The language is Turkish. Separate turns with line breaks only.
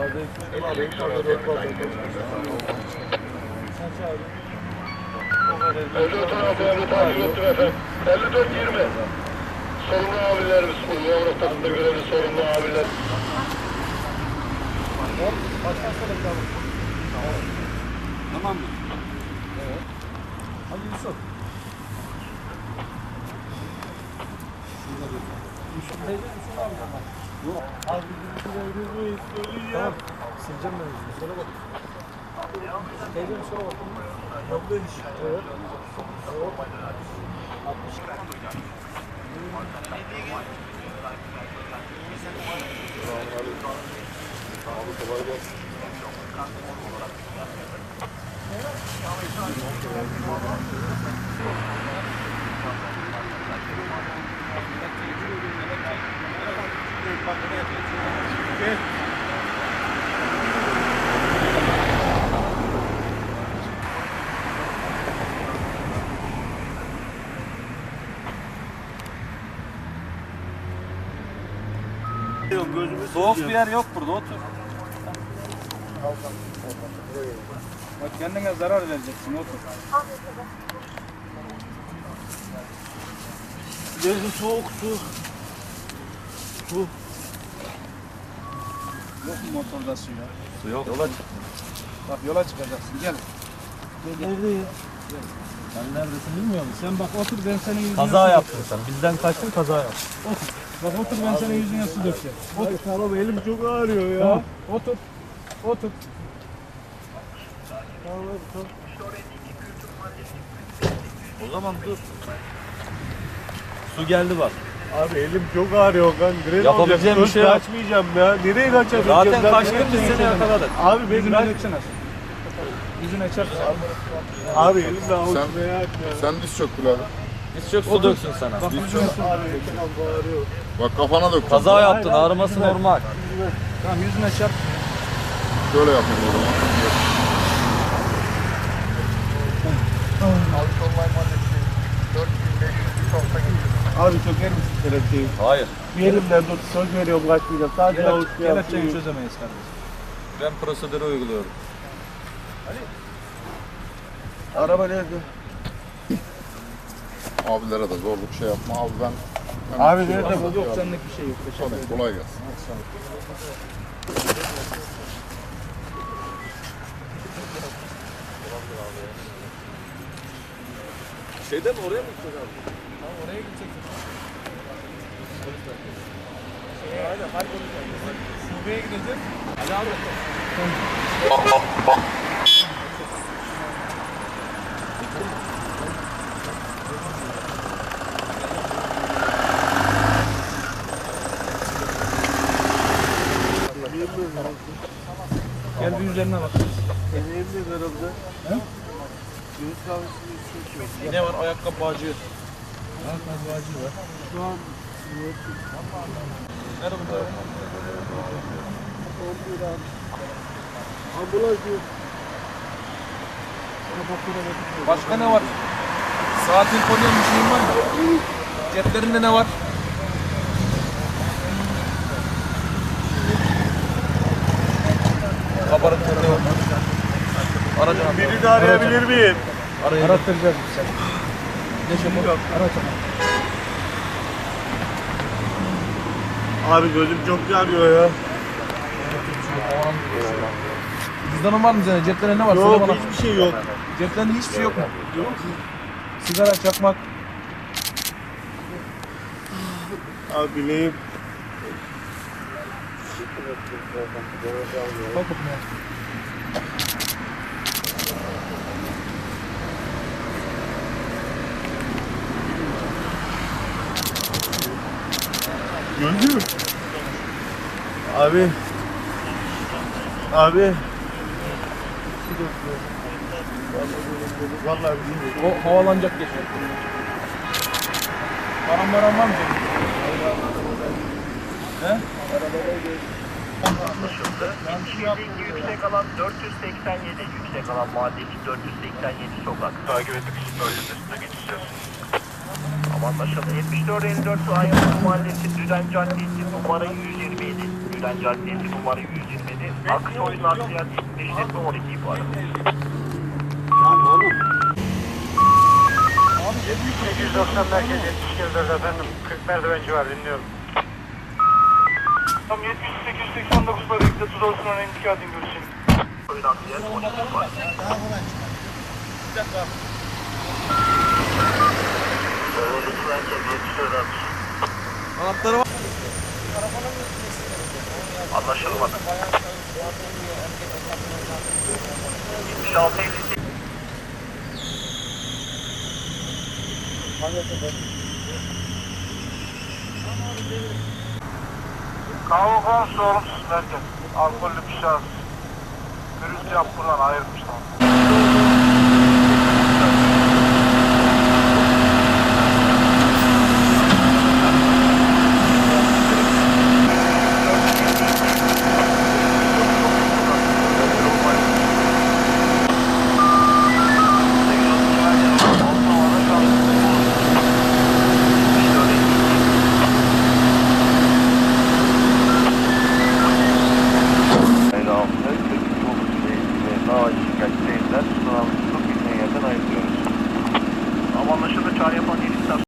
54 tarafı takip ettim efendim. 54-20. Sorumlu abilerimiz, Yavru takımda görevli sorumlu abiler.
Tamam mı? Evet. Hadi Yusuf. Yok. Abi tamam. Sileceğim ben yüzünü. Sonra bak. Teyzem sonra bak. Yaptığın iş. Evet. Evet. 60.
Abi kolay gelsin.
Soğuk bir yer yok burada, otur. Bak kendine zarar vereceksin, otur.
Gözü soğuk su. Su.
Yok mu motorda su ya?
Su yok.
Yola çık. Bak yola çıkacaksın, gel.
Neredeyim?
Sen neredesin bilmiyor musun? Sen bak otur, ben senin yüzüne
Kaza yaptın sen. Bizden kaçtın, kaza yaptın.
Otur. Bak otur, ben senin yüzüne su dökeceğim.
Otur. Tamam, elim çok ağrıyor ya.
Tamam, otur. Otur.
Tamam. O zaman dur. Su geldi bak.
Abi elim çok ağrıyor kan. Gren
Yapabileceğim bir şey yok.
Kaçmayacağım ya. Nereye kaçabileceğim?
Zaten kaçtın biz seni yakaladık.
Abi ben
Yüzüne
kaç...
döksene. Yüzüne çarpsın.
Abi elimle avuç
Sen-
veya
Sen diz çök Bilal.
Biz çok su döksün sana.
Bak yüzüne su.
Abi elim ağrıyor.
Bak kafana dök.
Kaza yaptın, ağrıması normal.
Tamam yüzüne çarp.
Şöyle yapayım o zaman.
Abi söker misin kelepçeyi?
Hayır.
Bir elimden tut. Söz veriyorum kaçmayacağım. Sadece avuç
Kelepçeyi çözemeyiz kardeşim.
Ben prosedürü uyguluyorum.
Araba nerede?
Abilere de zorluk şey yapma. Abi ben...
Abi
bir şey
nerede
yapmam.
bu?
Yok senlik bir şey yok. Teşekkür ederim.
Tabii kolay gelsin.
Şeyden oraya mı gideceğiz abi?
Oraya gideceksin. Aynen, harika olacak. Şubeye gideceğiz. Ali abi. Gel bir üzerine bak.
Elimde herhalde.
He?
Göğüs kahvesini içiyor.
Ne var? Ayakkabı bağcığı. Ayakkabı bağcığı var.
Şu an
Nerede burada?
11 abi. Ambulans yok.
Başka ne var? Saatin konuyan bir şeyin var mı? Ceplerinde ne var? Kabarık ne var? Aracı
Birini arayabilir miyim?
arattıracağız biz seni. Ne çabuk? Araç
Abi gözüm çok yanıyor ya.
Cüzdanın var mı senin? Ceplerinde ne var? Söyle
Yok
bana.
hiçbir şey yok.
Ceplerinde hiçbir şey yok mu? Yok. Sigara, çakmak.
Abi bileyim.
Bakıp ne?
Gözüm. Abi. Abi. Vallahi bilmiyorum.
O havalanacak geçiyor. Param var mı senin? He?
Yüksek alan 487, yüksek alan mahalle 487 sokak.
Takip ettik. Bölgesine geçeceğiz.
Ama anlaşıldı. 7454 Ayazı Mahallesi Düden Caddesi numara 127. Düden Caddesi numara 127. Akış oyun arsiyat işletme 12 bu arada.
890 merkez 74 efendim. 40 merdivenci var dinliyorum. Tam 7889 parayla tuz olsun ona intikal edin görüşelim.
Oyun arsiyat 12 var.
Anahtarı var.
Anlaşılmadı. 76 58.
Kahve konusu olumsuz merkez. Alkollü bir şahıs. Gürültü yapılan ayırmışlar.
Ama anlaşıldı çağrı yapan yeni istasyon.